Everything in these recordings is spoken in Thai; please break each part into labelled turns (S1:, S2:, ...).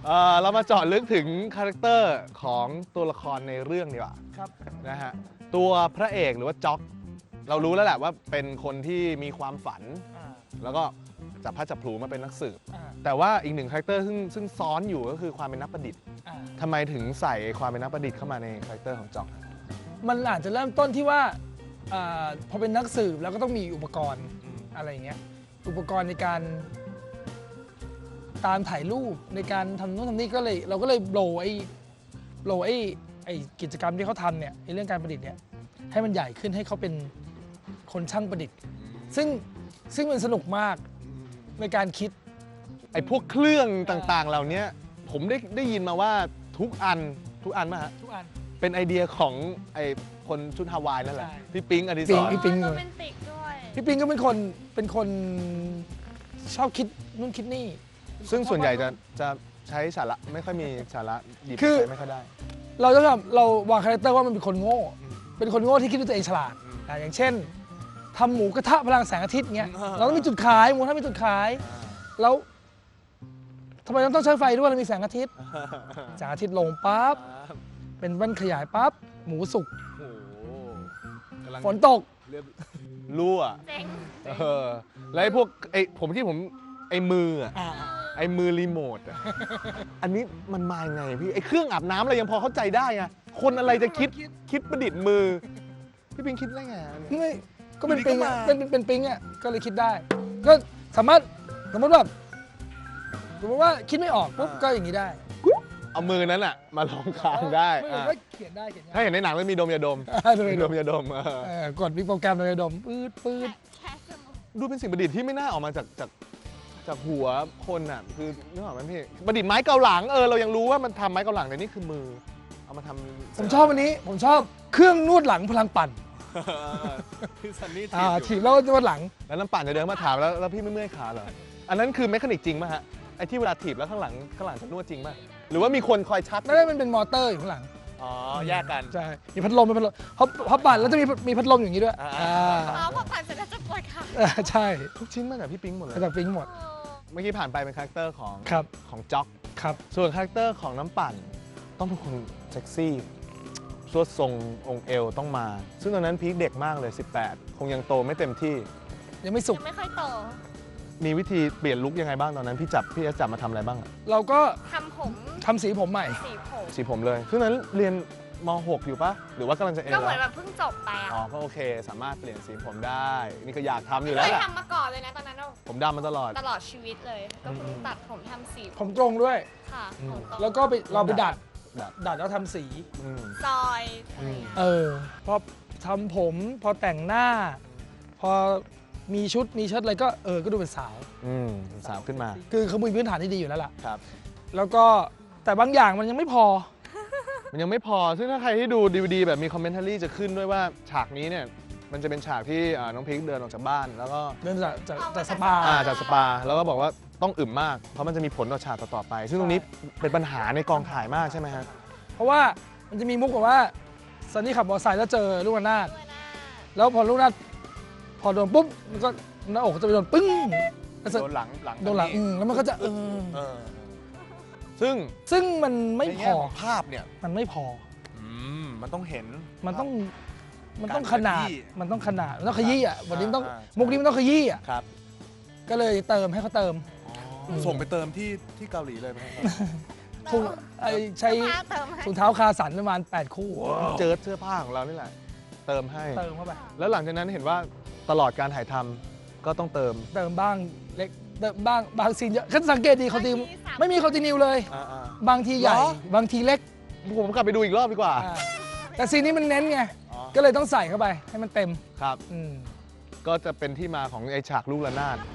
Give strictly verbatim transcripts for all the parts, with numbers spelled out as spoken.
S1: เอ่อเรามาเจาะลึกถึงคาแรคเตอร์ของตัวละครในเรื่องดีกว่า
S2: ครับ
S1: นะฮะตัวพระเอกหรือว่าจ็อกเรารู้แล้วแหละว่าเป็นคนที่มีความฝัน
S2: อ่า
S1: แล้วก็จับพลัดจับผลูมาเป็นนักสืบ
S2: อ่า
S1: แต่ว่าอีกหนึ่งคาแรคเตอร์ซึ่งซึ่งซ้อนอยู่ก็คือความเป็นนักประดิษฐ์
S2: อ่า
S1: ทำไมถึงใส่ความเป็นนักประดิษฐ์เข้ามาในคาแรคเตอร์ของจ็อก
S2: มันอาจจะเริ่มต้นที่ว่าอ่าพอเป็นนักสืบแล้วก็ต้องมีอุปกรณ์อะไรอย่างเงี้ยอุปกรณ์ในการตามถ่ายรูปในการทำโน่นทำนี่ก็เลยเราก็เลยโบไอ้โบไอ้ไอ้กิจกรรมที่เขาทำเนี่ยไอ้เรื่องการประดิษฐ์เนี่ยให้มันใหญ่ขึ้นให้เขาเป็นคนช่างประดิษฐ์ ซึ่งซึ่งมันสนุกมากในการคิด
S1: ไอ้พวกเครื่องต่างๆ เหล่านี้ผมได้ได้ยินมาว่าทุกอันทุกอันมาฮะ
S2: ทุกอัน
S1: เป็นไอเดียของไอ้คนชุดฮาวายนั่นแหละ
S2: ใช่
S1: พี่ปิ๊งอดิศ
S2: ปิ๊ง
S1: ร
S2: พี่ปิ๊ง
S3: โรแมนติกด้วย
S2: พี่ปิงก็เป็นคนเป็นคนชอบคิดนู่นคิดนี่
S1: ซึ่งส่วนใหญ่จะจะใช้สาระไม่ค่อยมีสาระหยิบ
S2: คือ
S1: ใช้ไม่ค่อยได้
S2: เราจะทำเราวางคาแรคเตอร์ว่ามันเป็นคนโง่ เป็นคนโง่ที่คิดว่าตัวเองฉลาดอ่ะอย่างเช่นทำหมูกระทะพลังแสงอาทิตย์เงี้ย
S1: อ่า
S2: เราต้องมีจุดขายหมูกระทะมีจุดขาย แล้วทำไมต้องใช้ไฟด้วยเรามีแสงอาทิตย์แสงอาทิตย์ลงปั๊บเป็นแว่นขยายปั๊บหมูสุก
S1: โอ้โหกำลัง
S2: ฝนตก
S1: เรียบรั่ว
S3: เจ๋ง
S1: เออแล้วไอ้พวกไอ้ผมที่ผมไอ้มืออะ
S2: อ่า
S1: ไอ้มือรีโมทอะอันนี้มันมายังไงพี่ไอ้เครื่องอาบน้ำอะไรยังพอเข้าใจได้ไงคนอะไรจะคิดคิดประดิษฐ์มือ พี่ปิงคิดได้ไงอันนี้
S2: ไม่ก็เป็น
S1: อยู่ดี
S2: ปิง
S1: ก็
S2: อ่ะ
S1: มา
S2: เป็นเป็นเป็นปิงอ่ะก็เลยคิดได้ ก็สามารถสมมติแบบสมมติว่าคิดไม่ออกปุ๊บก็อย่างนี้ได้
S1: เอามือนั้นอะมาลองคางได้
S2: ไม่
S1: อ่ะ
S2: ก็เขียนได้เขียนได้
S1: ถ้าเห็นในหนังมันมีดมยาดม
S2: อ่าโดย
S1: มี
S2: โด
S1: ด
S2: ม
S1: มยาดมเออ
S2: เอ่อกดมีโปรแกรมโดยดมปื๊ดปื๊ด
S3: แค่สมอง
S1: ดูเป็นสิ่งประดิษฐ์ที่ไม่น่าออกมาจากจากจากหัวคนอ่ะคือนึกออกไหมพี่ประดิษฐ์ไม้เกาหลังเออเรายังรู้ว่ามันทำไม้เกาหลังแต่นี่คือมือเอามาทำ
S2: ผมชอบอันนี้ ผมชอบเครื่องนวดหลังพลังปั่น
S1: พี่ซันนี่
S2: อ่า
S1: ถี
S2: ถี
S1: บบ
S2: แล้วนวดหลัง
S1: แล้วน้ำปั่นจะเดินมาถามแล้วแล้วพี่ไม่เมื่อยขาเหรออันนั้นคือเมคานิกจริงป่ะฮะไอ้ที่เวลาถีบแล้วข้างหลังข้างหลังจะนวดจริงป่ะหรือว่ามีคนคอยชัก
S2: ไม่ได้มันเป็นมอเตอร์อยู่ข้างหลัง
S1: อ๋อแยกกัน
S2: ใช่มีพัดลมมีพัดลมเขาเขาปั่นแล้วจะมีมีพัดลมอย่างนี้ด้วย
S1: อ่า
S2: อ่า
S3: อ๋อพอผ่านเสร็จแล้วจะปวดขา
S2: เออใช่
S1: ทุกชิ้นมาจากพี่ปิ๊งหมดเลย
S2: มาจากปิงหมด
S3: โอ้
S1: เมื่อกี้ผ่านไปเป็นคาแรคเตอร์ของ
S2: ครับ
S1: ของจ็อก
S2: ครับ
S1: ส่วนคาแรคเตอร์ของน้ำปั่นต้องเป็นคนเซ็กซี่สวดทรงองค์เอวต้องมา ซึ่งตอนนั้นพีคเด็กมากเลย สิบแปด คงยังโตไม่เต็มที่
S2: ยังไม่สุก
S3: ยังไม่ค่อยโต
S1: มีวิธีเปลี่ยนลุคยังไงบ้างตอนนั้นพี่จับพี่จะจับมาทำอะไรบ้างอะ
S2: เราก็
S3: ทำผม
S2: ทำสีผมใหม่
S3: สีผม
S1: สีผมเลย ซึ่งตอนนั้นเรียนม หก อยู่ปะหรือว่ากำลังจะเอ
S3: ก็เหมือน
S1: แล้
S3: แบ
S1: ว
S3: บเพิ่งจบไปอ่ะ
S1: อ๋อก็โอเค สามารถเปลี่ยนสีผมได้ นี่ก็อยากทำอยู่
S3: เค
S1: แล้ว
S3: ย
S1: แหละ
S3: ทำมาก่อนเลยนะตอนนั้นเรา
S1: ผมดำมาตลอด
S3: ตลอดชีวิตเลย ก็เพิ่งตัดผมทำสี
S2: ผมตรงด้วย
S3: ค่ะ
S1: อืม
S3: ผมตรง
S2: แล้วก็ไปเราไปดัด
S1: ดัด
S2: ดัดแล้วทำสี
S1: อืม
S3: ซอยอะไรอย่างเงี้ย
S2: เออ พอทำผม พอแต่งหน้า พอมีชุด มีเชิ้ตอะไรก็เออ ก็ดูเป็นสาว
S1: อืมสาวขึ้นมา
S2: คือเขามีพื้นฐานที่ดีอยู่แล้วล่ะ
S1: ครับ
S2: แล้วก็แต่บางอย่างมันยังไม่พอ
S1: มันยังไม่พอ ซึ่งถ้าใครที่ดูดีวดีแบบมีคอมเมนต์รี่จะขึ้นด้วยว่าฉากนี้เนี่ย มันจะเป็นฉากที่อ่าน้องพิงค์เดินออกจากบ้าน แล้วก็
S2: เริ่มจากจากจากสปา
S1: อ่าจากสปา แล้วก็บอกว่าต้องอึมมาก เพราะมันจะมีผลต่อฉากต่อๆไป ซึ่งตรงนี้เป็นปัญหาในกองถ่ายมากใช่ไหมฮะ
S2: เพราะว่ามันจะมีมุกแบบว่าซันนี่ขับมอเตอร์ไซค์แล้วเจอลูกระนาด
S3: ด้วยนะ
S2: แล้วพอลูกระนาดพอโดนปุ๊บ มันก็หน้าอกจะไปโดนปึ้งแล้ว
S1: โดนหลังหลัง
S2: โดนหลังอืมแล้วมันก็จะเออ
S1: เออซึ่ง
S2: ซึ่งมันไม่
S1: ใน
S2: พ
S1: แง่
S2: อ
S1: ของภาพเนี่ย
S2: มันไม่พอ
S1: อืมมันต้องเห็น
S2: มันต้อง มันต้อง
S1: การ
S2: ขนาด
S1: ขยี้
S2: มันต้องขนาด มันต้องขยี้อ่ะวันนี้มันต้อง
S1: อ่า
S2: มุกนี้มันต้องขยี้อ่ะ
S1: ครับ
S2: ก็เลยเติมให้เขาเติม
S1: ส่งไปเติมที่ที่เกาหลีเลยไหมครับ
S2: ถุงไอใช้
S3: เสื้อผ้าเติมให้
S2: ถุงเท้าคาสันประมาณแปดคู่
S1: เจอเสื้อผ้าของเรานี่แหละ เติมให้
S2: เติมเข้าไป
S1: แล้วหลังจากนั้นเห็นว่าตลอดการถ่ายทำก็ต้องเติม
S2: เติมบ้างเล็กเติมบ้างบางซีนเยอะคันสังเกตดีเขาตีไม่มีคอนติเนียเลย
S1: อ่า
S2: บางทีใหญ่
S1: เหรอ
S2: บางทีเล็ก
S1: ๆผมกลับไปดูอีกรอบดีกว่า
S2: อ่าแต่ซีนนี้มันเน้นไง
S1: อ๋อ
S2: ก็เลยต้องใส่เข้าไปให้มันเต็ม
S1: ครับ
S2: อืม
S1: ก็จะเป็นที่มาของไอฉากลูกระนาด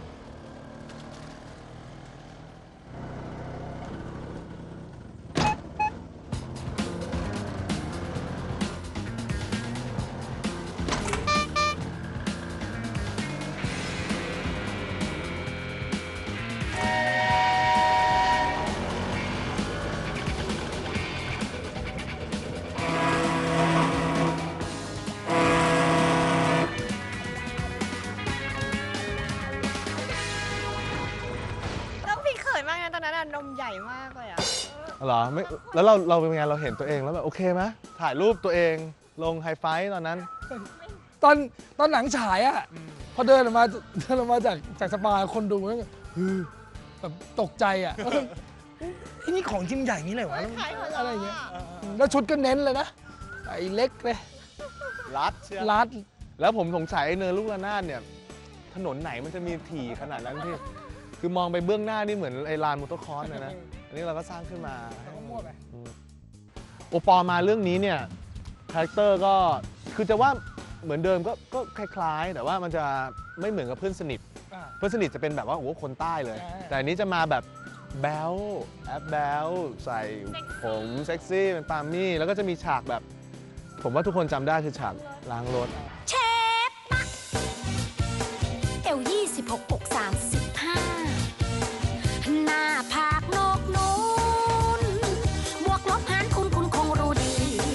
S3: ากเลยอ่ะ
S1: เหรอไม่แล้วเราเราเป็นไงเราเห็นตัวเองแล้วแบบโอเคไหมถ่ายรูปตัวเองลงไฮไฟว์ตอนนั้น
S2: ตอนตอนหนังฉายอะพอเดินออกมาเดินออกมาจากจากสปาคนดูแล้วก็ฮือแบบตกใจอะไอ้นี่ของจริงใหญ่นี้เลยวะ
S3: ขายของเรา
S2: อะไรอย่างเงี้ยแล้วชุดก็เน้นเลยนะไอ้เล็กเลย
S1: รัดเชียว
S2: รัด
S1: แล้วผมสงสัยไอ้เนินลูกระนาดเนี่ยถนนไหนมันจะมีถี่ขนาดนั้นพี่คือมองไปเบื้องหน้านี่เหมือนไอ้ลานมอเตอร์คอร์สเลยนะอันนี้เราก็สร้างขึ้นมา
S2: มั่วไป
S1: โอปอมาเรื่องนี้เนี่ยคาแรคเตอร์ก็คือจะว่าเหมือนเดิมก็ก็คล้ายๆ แต่ว่ามันจะไม่เหมือนกับเพื่อนสนิท
S2: อ่า
S1: เพื่อนสนิทจะเป็นแบบว่าโอ้โหคนใต้เลย
S2: ใช่
S1: แต่อันนี้จะมาแบบแบลแอปแบลใส่ผมเซ็กซี่เป็นปาล์มี่แล้วก็จะมีฉากแบบ ผมว่าทุกคนจำได้คือฉากล้างรถ
S4: เชฟนะเอวยี่สิบหกอกสามสิบห้าหน้าผากนกนูนบวกลบหารคุณคุณคงรู้ดี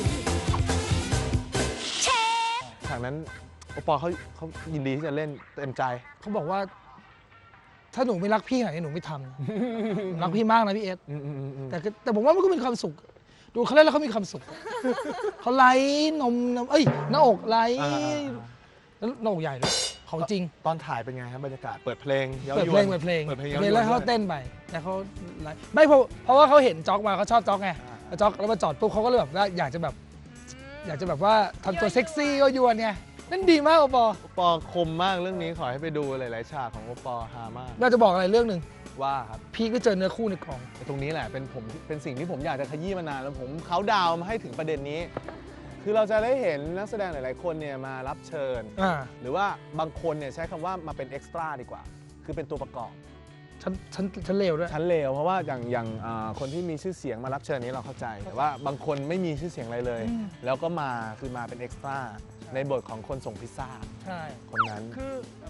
S4: เชฟ
S1: ฉากนั้นโอปอเขาเขายินดีที่จะเล่นเต็มใจ
S2: เขาบอกว่า ถ้าหนูไม่รักพี่ขนาดนี้หนูไม่ทำนะหนูรักพี่มากนะพี่เอส
S1: อืมอืมอืมอืม
S2: แต่ก็แต่ผมว่ามันก็มีความสุข ดูเขาเล่นแล้วเขามีความสุข เขาไล่นมนมเอ้ยหน้าอกไล่
S1: อ่า
S2: แล้วหน้าอกใหญ่เลยของจริง
S1: ตอนถ่ายเป็นไงครับบรรยากาศเปิดเพลงย้า
S2: เปิด
S1: ย
S2: เพ
S1: ว
S2: ล
S1: น
S2: งเปิดเพลง
S1: เปิดเพลง
S2: เพลงแล้ว
S1: ย้
S2: เขา
S1: ยวนด้วย
S2: เต้นไปแต่เขาไลฟ์ไม่เพราะเพราะว่าเขาเห็นจ็อกมาเขาชอบจ็อกไง
S1: อ่า
S2: จ็อกแล้วมาจอดปุ๊บเขาก็เลยแบบว่าอยากจะแบบ อยากจะแบบว่าทำตัวเซ็กซี่ก็ยวนไงนั่นดีมากโอปอ
S1: โอปอคมมากเรื่องนี้ขอให้ไปดูหลายๆฉากของโอปอฮามาก
S2: เราจะบอกอะไรเรื่องหนึ่ง
S1: ว่าครับ
S2: พี่ก็เจอเนื้อคู่ในกล่อง
S1: ตรงนี้แหละเป็นผมเป็นสิ่งที่ผมอยากจะขยี้มานานแล้วผมเขาดาวน์มาให้ถึงประเด็นนี้ คือเราจะได้เห็นนักแสดงหลายๆคนเนี่ยมารับเชิญ
S2: อ่า
S1: หรือว่าบางคนเนี่ยใช้คำว่ามาเป็นเอ็กซ์ตร้าดีกว่า คือเป็นตัวประกอบ
S2: ฉันฉันฉันเลวด้วย
S1: ชั้นเลวเพราะว่าอย่างอย่างอ่าคนที่มีชื่อเสียงมารับเชิญนี้เราเข้าใจ แต่ว่าบางคนไม่มีชื่อเสียงอะไรเลย
S2: อืม
S1: แล้วก็มาคือมาเป็นเอ็กซ์ตร้าในบทของคนส่งพิซซ่า
S2: ใช่
S1: คนนั้น
S2: คือ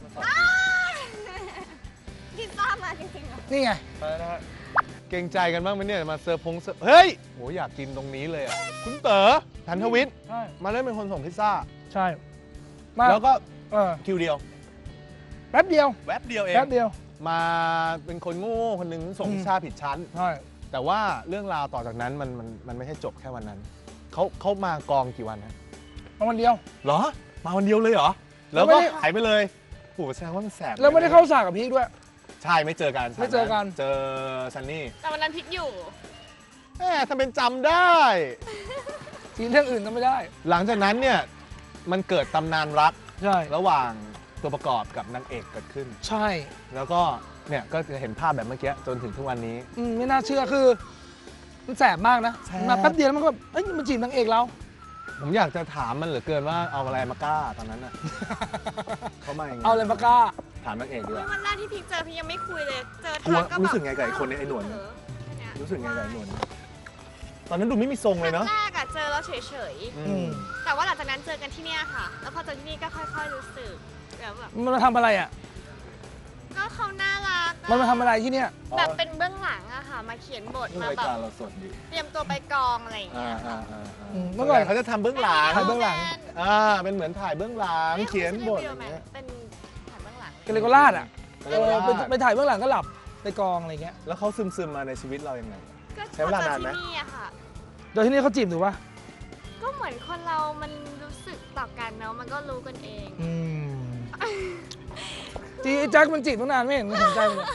S3: พิซซ่ามาจริงๆเหรอ
S2: นี่ไง
S1: เกรงใจกันบ้างไหมเนี่ยมาเซอร์พงเซอร์เฮ้ยโหอยากกินตรงนี้เลยอ่ะคุณเต๋อธันทวิทย์
S2: ใช่
S1: มาเล่นเป็นคนส่งพิซซ่า
S2: ใช่มา
S1: แล้วก็
S2: เออ
S1: คิวเดียว
S2: แป๊บเดียว
S1: แวบเดียวเอง
S2: แป๊บเดียว
S1: มาเป็นคนโง่ๆคนหนึงส่ง
S2: อืม
S1: พิซซ่าผิดชั้น
S2: ใช่
S1: แต่ว่าเรื่องราวต่อจากนั้นมันมันมันไม่ใช่จบแค่วันนั้นเขาเขามากองกี่วันนะ
S2: มาวันเดียว
S1: เหรอ มาวันเดียวเลยเหรอ
S2: แล้
S1: แล้ว
S2: วไม่
S1: ก็
S2: ได้
S1: หายไปเลยโหแสดงว่ามันแสบ
S2: แล้วไม่ได้เข้าฉากกับพี่ด้วย
S1: ใช่ไม่เจอกัน
S2: ไม่เจอกัน
S1: เจอซันนี่
S3: แต่วันนั้นพิกอยู่
S1: แหมทำเป็นจำได้
S2: ทีเรื่องอื่นทำไม่ได้
S1: หลังจากนั้นเนี่ยมันเกิดตำนานรัก
S2: ใช่
S1: ระหว่างตัวประกอบกับนางเอกเกิดขึ้น
S2: ใช่
S1: แล้วก็เนี่ยก็จะเห็นภาพแบบเมื่อกี้จนถึงทุกวันนี้
S2: อืมไม่น่าเชื่อคือมันแสบมากนะ
S1: แสบ
S2: มาแป๊บเดียวแล้วมันก็แบบเอ้ยมันจีบนางเอกเรา
S1: ผมอยากจะถามมันเหลือเกินว่าเอาอะไรมากล้าตอนนั้นน่ะ เขามาอย่างไง
S2: เอาอะไรมากล้า
S1: ถามนางเอกดีกว่า
S3: วันแรกที่พิกเจอพี่ยังไม่คุยเลย เจอก
S1: ลัว
S3: ทักก็แบบ
S1: รู้สึกไงกับไอ้คนเนี่ยไอ้หนวดเนี่ย รู้สึกไงกับไอ้หนวดตอนนั้นดูไม่มีทรง
S3: ค
S1: เลย
S3: รั้
S1: เนาะ
S3: งแรกอะเจอแล้วเฉย
S1: อื
S2: อื
S1: ม
S2: ม
S3: ๆ แต่ว่าหลังจากนั้นเจอกันที่เนี่ยค่ะ แล้วพอเจอที่นี่ก็ค่อยๆรู้สึกแบบแบบ
S2: มันมาทำอะไรอ่ะ
S3: ก็เขาน่ารักอะ
S2: มันมาทำอะไรที่เนี่ย
S3: แบบเป็นเบื้องหลังอะค่ะ มาเขียนบทมา
S1: ราย
S3: แบบ
S1: การเราสดดี
S3: เตรียมตัวไปกองอะไรอย่าง
S1: อ่า
S3: เงี้ย
S1: อ่าอ่าอ่า
S2: อืมเมื่
S1: เมื่อ
S2: อก่
S1: ก่
S2: อ
S1: อน นเขาจะทำเบื้องหลัง
S2: ถ่ายเบื้องหลัง
S1: อ่าเป็นเหมือนถ่ายเบื้องหลัง เขียนบทอย่างเงี้ย
S3: เป็นถ่ายเบื้องหลัง
S2: กเลโกราชอ่ะ
S1: เอ
S2: เอ
S1: อ
S2: อไปไปถ่ายเบื้องหลังก็หลับไปกองอะไรเงี้ย
S1: แล้วเขาซึมซึมๆมาในชีวิตเรายังไง
S3: ก็
S1: ใช้เวลานานไหม
S3: พอเจอที่นี่อะค่ะ
S2: โดยที่นี่เขาจีบหนูปะ
S3: ก็เหมือนคนเรามันรู้สึกต่อกันเนาะ มันก็รู้กันเอง
S2: อืมจีไอ้แจ็คมันจีบตั้งนานไม่เห็นไม่สนใจเลย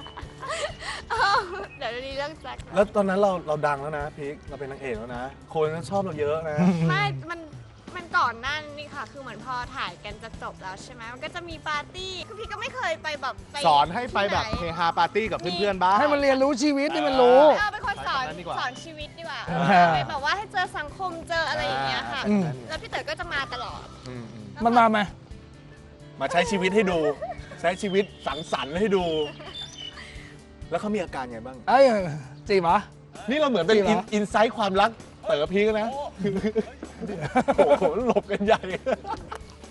S3: เดี๋ยวนี้เรื่องแจ็ค
S1: แล้วตอนนั้นเราเราดังแล้วนะพีคเราเป็นนางเอกแล้วนะ คนก็ชอบเราเยอะนะ
S3: ไม่ มัน มันก่อนหน้านี่ค่ะ คือเหมือนพอถ่ายกันจะจบแล้วใช่ไหม มันก็จะมีปาร์ตี้ คือพี่ก็ไม่เคยไปแบบไป
S1: สอนให้ไปแบบ
S3: ที่
S1: เฮ
S3: หน
S1: ฮาปาร์ตี้กับเพื่อนๆบ้าง
S2: ให้มันเรียนรู้ชีวิตให้มันรู้
S3: เออเป็นคนสอน
S1: ใช้คำนั้นดีกว่า
S3: สอนชีวิตดีกว่า
S2: อ่า
S3: ไปแบบว่าให้เจอสังคมเจออะไรอย่างเงี้ยค่ะ
S2: อืม
S3: แล้วพี่เต๋อก็จะมาตลอด
S1: อืมอืม
S2: มันมาไหม
S1: มาใช้ชีวิตให้ดู ใช้ชีวิตสังสรรค์ให้ดู แล้วเขามีอาการไงบ้าง
S2: เอ้ยจีบเหรอ
S1: นี่เราเหมือนเป็น
S2: จริงเหรอ
S1: อินไซต์ความรักเต๋อพีคนะ โอ้โหหลบกันใหญ่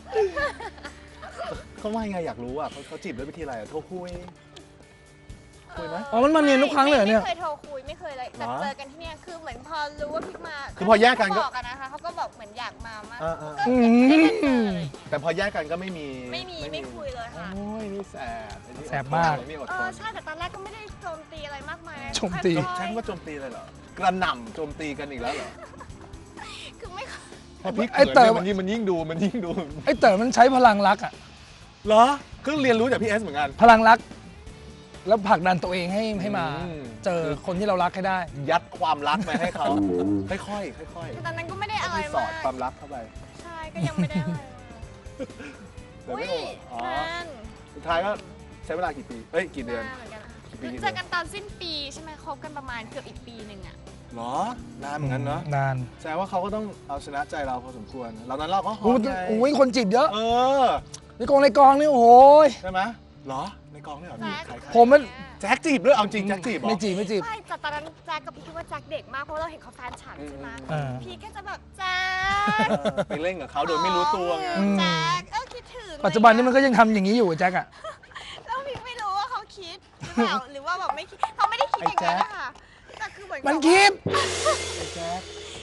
S1: เขาว่ายังไงอยากรู้อ่ะเขาเขาจีบด้วยวิธีอะไรอะโทรคุย
S3: เอ
S1: คุยไหม
S2: อ๋อมันมาเนียนทุกครั้งเลยเหรอเนี่ย
S3: ไม่เคยโทรคุยไม่เคยเลยแต่
S1: เหรอ
S3: เจอกันที่เนี่ยคือเหมือนพอรู้ว่าพี่มา
S1: คือพอแยกกันก็
S3: เขาบอกกันนะคะเขาก็บอกเหมือนอยากมามาก
S1: เออเออ
S3: ก็ไม่ได้เจอเลย
S1: แต่พอแยกกันก็ไม่มี
S3: ไม่มีไม่คุยเลยค่ะ
S1: โอ้ยนี่แสบไอ้นี่
S2: แสบมาก
S1: ไอ้นี่อด
S3: เอ
S1: ท
S3: อน ใช่แต่ตอนแรกก็ไม่ได้โจมตีอะไรมากมายนะ
S2: โจมตี
S3: ค่อยๆ
S1: ใช้คำว่าโจมตีเลยเหรอกระหน่ำโจมตีกันอีกแล้วเหรอ
S3: คือไม่
S1: พอพี่
S2: ไอ้
S1: เขิน
S2: เต๋อ
S1: เนี่ยมันยิ่งมันยิ่งดูมันยิ่งดู
S2: ไอ้เต๋อมันใช้พลังรักอ่ะ
S1: เหรอเพิ่งเรียนรู้จากพี่เอสเหมือนกัน
S2: พลังรัก แล้วผลักดันตัวเองให้ให้มา
S1: อืม
S2: เจอคนที่เรารักให้ได้
S1: ยัดความรักไปให้เขาค่อยๆค่อย
S3: คือตอนนั้นก็ไม่ได้
S1: ๆ
S3: อะไร
S1: ที่สอ
S3: มา
S1: ด
S3: ก
S1: ความรักเข้าไป
S3: ใช่ก็ยังไม่ได้อะไร
S1: เดี๋ยว
S3: อุ้
S1: ไม่
S3: ย
S1: โอ้อ๋อน
S3: าน
S1: สุดท้ายก็ใช้เวลากี่ปีเอ้ยกี่เดือน
S3: นานเหมือนกันนะคะ
S1: กี่ปี
S3: คือเจอกันตอนสิ้นปีใช่ไหมคบกันประมาณเกือบอีกปีหนึ่งอะ
S1: เหรอนานเหมือนกันเนาะ
S2: นาน
S1: แสดงว่าเขาก็ต้องเอาชนะใจเราพอสมควรเรานั้นเราก็หอ
S2: โอ้
S1: ม
S2: โห
S1: ไง
S2: โอ้ยคนจีบเยอะ
S1: เออ
S2: ในกองในกองนี่โอ้โหย
S1: ใช่ไหมเหรอในกองเนี่ยเหรอมีใครใคร
S2: ผมมัน
S1: แจ็คจีบด้วยเอาจริงแจ็คจีบเหรอ
S2: ไม่จีบไม่จีบ
S3: ใช่แต่ตอนนั้นแจ็คกับพี่คิดว่าแจ็คเด็กมากเพราะเราเห็นเขาแฟนฉันใช่ไหม
S2: เออ
S3: พี่ก็จะแบบแจ็ค
S1: เออไปเล่นกับเขาโดยไม่รู้ตัวไง
S2: อืม
S3: แจ็คเออคิดถึง
S2: ปัจจุบันนี้มันก็ยังทำอย่างนี้อยู่แจ็คอะ
S3: แล้วพี่ไม่รู้ว่าเขาคิดหรือเปล่าหรือว่าแบบไม่คิดเขาไม่ได้คิดอย่างนั้นนะคะแต่คือเหมือนกับ
S2: มันคิด
S1: ไอ้แจ็ค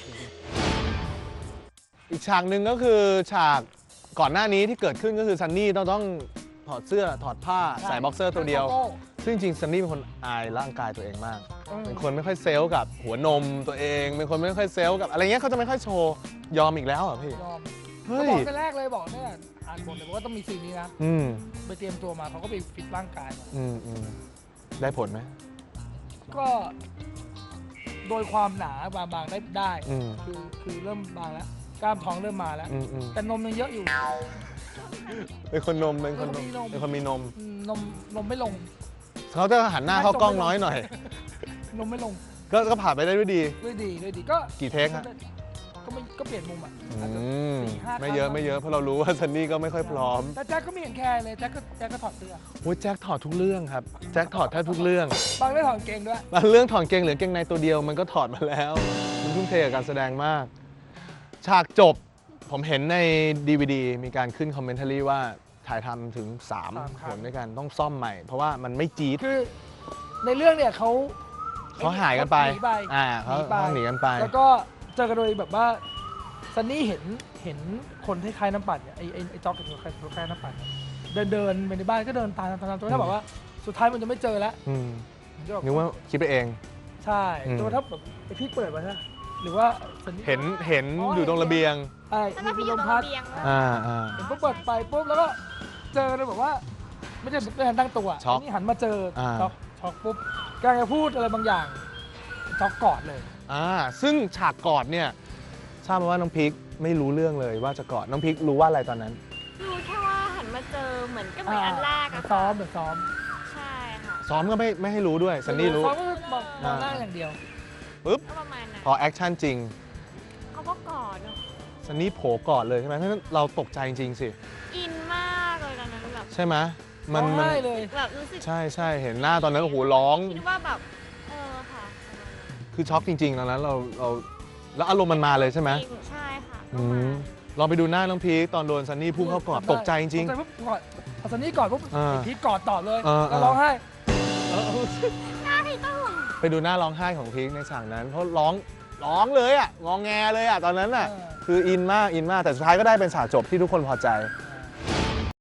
S1: อีกฉากหนึ่งก็คือฉากก่อนหน้านี้ที่เกิดขึ้นก็คือซันนี่ต้องต้องถอดเสื้อถอดผ้าใส่บ็อกเซอร์ตัวเดียว ซึ่งจริงๆซันนี่เป็นคนอายร่างกายตัวเองมาก เป็นคนไม่ค่อยเซลล์กับหัวนมตัวเอง เป็นคนไม่ค่อยเซลล์กับอะไรเงี้ยเขาจะไม่ค่อยโชว์ยอมอีกแล้วเหรอ่ะพี่
S2: ยอม
S1: เฮ้
S2: ก็
S1: ย
S2: บอกแต่แรกเลยบอกเนี่ยอ่านบทเลยว่าต้องมีซีนนี้นะ
S1: อืม
S2: ไปเตรียมตัวมาเขาก็ไปฟิตร่างกายมา
S1: อืมอืมได้ผลไหม
S2: ก็โดยความหนาบางบางได้ได้
S1: อืม
S2: คือคือเริ่มบางแล้วกล้ามท้องเริ่มมาแล้ว
S1: อืมอืม
S2: แต่นมยังเยอะอยู่
S1: เป็นคนนมเป็นคนนม
S2: เป็นคนมีนม
S1: เป็นคนมีนม
S2: อืมนมนมไม่ลง
S1: เขาจะหันหน้าเข้ากล้องน้อยหน่อย
S2: นมไม่ลง
S1: ก็ก็ผ่านไปได้ด้วยดี
S2: ด้วยดีด้วยดีก็
S1: กี่เทคฮะ
S2: ก็ไม่ก็เปลี่ยนมุมอ่ะ
S1: อื
S2: อาจจะ
S1: ม
S2: สี่ห้า
S1: ไม่เยอะ
S2: ครั้ง
S1: ไม่เยอะเพราะเรารู้ว่าซันนี่ก็ไม่ค่อยพร้อม
S2: แต่แจ็คก็ไม่เห็นแคร์เลยแจ็คก็แจ็คก็ถอดเสื้อ
S1: โอ้ยแจ็คถอดทุกเรื่องครับแจ็คถอดแทบทุกเรื่อง
S2: บางได้ถอดกางเกงด้วย
S1: บางเรื่องถอดเกงเหลือเกงในตัวเดียวมันก็ถอดมาแล้ว มันทุ่มเทกับการแสดงมาก ฉากจบผมเห็นใน ดี วี ดี มีการขึ้นคอมเมนต์รีว่าถ่ายทำถึง3
S2: สามค
S1: ผ
S2: รั้ง
S1: ลด้วยกันต้องซ่อมใหม่ เพราะว่ามันไม่จี๊ด
S2: คือในเรื่องเนี่ยเขา
S1: เขาหายกันไป
S2: หนีไป
S1: อ่าเขา
S2: หนีไป
S1: เขาหนีกันไป
S2: แล้วก็เจอกันโดยแบบว่าซันนี่เห็นเห็นคนที่คล้ายน้ำปั่นเนี่ยไอ้ไอ้ไอ้จ็อกกับตัวคล้ายตัวคล้ายน้ำปั่นเนี่ยเดินเดินไปในบ้านก็เดินตามตามตามจนถ้าแบบว่าสุดท้ายมันจะไม่เจอแล้ว
S1: อืม
S2: มันจะแบบ
S1: นึกว่าคิดไปเอง
S2: ใช่
S1: อืม
S2: จนถ้าแบบไอ้พี่เปิดมาใช่ไหมหรือว่าซันนี่
S1: เห็นเห็นอยู่ตรงระเบียง
S2: ไอ้
S3: แล้ว
S2: มี
S3: ก็พี่อ
S2: ล
S3: ยู่
S2: ม
S3: ตรง
S2: พัด
S3: ระเบียงแล้ว
S1: อ่าอ่า
S2: เห็นปุ๊บเปิดไปปุ๊บแล้วก็เจอเลยแบบว่า ไม่ได้ไม่ทันตั้งตัว
S1: ช็อก
S2: นี่หันมาเจออา ช็อกช็อกปุ๊บกำลังจะพูดอะไรบางอย่างช็อกกอดเลย
S1: อ่าซึ่งฉากกอดเนี่ยทราบมาว่าน้องพีคไม่รู้เรื่องเลยว่าจะกอดน้องพีครู้ว่าอะไรตอนนั้น
S3: รู้แค่ว่าหันมาเจอเหมือนก็เหมือนอันแรกอะ
S2: ซ้อมเดี๋ยวซ้อม
S3: ใช่ค่ะ
S1: ซ้อมก็ไม่ไม่ให้รู้ด้วยซันนี่รู้
S2: ซ้อมก็คือมองมองหน้าอย่างเดียว
S1: ปุ๊บ
S3: ก็ประมาณนั้น
S1: พอแอคชั่นจริง
S3: เขาก็กอดเนอะ
S1: ซันนี่โผล่กอดเลยใช่ไหมเพราะฉะนั้นเราตกใจจริงๆสิ
S3: อินมากเลยตอนนั้นแบบ
S1: ใช่ไหมมัน
S2: ร้อง
S1: มัน
S2: ไห้เลย
S3: แบบรู้สึก
S1: ใช่ใช่เห็นหน้าตอนนั้นโอ้โหร้อง
S3: คิดว่าแบบเออค่ะ
S1: คือช็อกจริงๆตอนนั้นเราเราแล้วอารมณ์มันมาเลยใช่ไหม
S3: จริงใช่ค่ะ
S1: อืมลองไปดูหน้าน้องพีคตอนโดนซันนี่พุ่งเข้ากอดตกใจจริง
S2: ตกใจปุ๊บกอดพอซันนี่กอดปุ๊บ
S1: อ่า
S2: ไอ้พีทกอดต่อเลย
S1: อ่า
S2: แล้วร้องไห้
S3: หน้าพี่ต้อง
S1: ๆ ไปดูหน้าร้องไห้ของพีคในฉากนั้น เพราะร้องร้องเลยอ่ะงองแงเลยอ่ะตอนนั้นอ่ะ
S2: เออ
S1: คืออินมากอินมากแต่สุดท้ายก็ได้เป็นฉากจบที่ทุกคนพอใจ
S2: อ่า